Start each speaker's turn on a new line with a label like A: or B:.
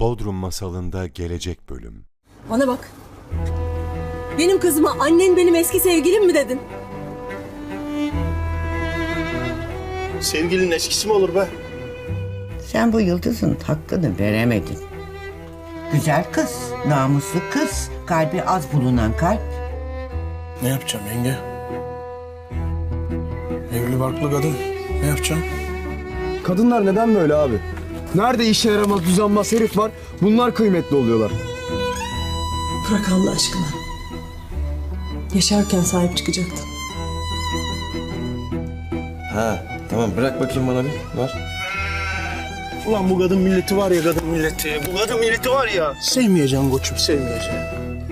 A: Bodrum Masalı'nda gelecek bölüm.
B: Bana bak. Benim kızıma annen benim eski sevgilim mi dedin?
C: Sevgilinin eskisi mi olur be?
D: Sen bu Yıldız'ın hakkını veremedin. Güzel kız, namuslu kız, kalbi az bulunan kalp.
C: Ne yapacağım yenge? Evli barklı kadın. Ne yapacağım?
E: Kadınlar neden böyle abi? Nerede işe yaramaz, düzenbaz herif var, bunlar kıymetli oluyorlar.
B: Bırak Allah aşkına. Yaşarken sahip çıkacaktın.
F: Ha tamam, bırak bakayım bana bir. Var.
C: Ulan bu kadın milleti var ya, kadın milleti. Bu kadın milleti var ya. Sevmeyeceğim koçum, sevmeyeceğim.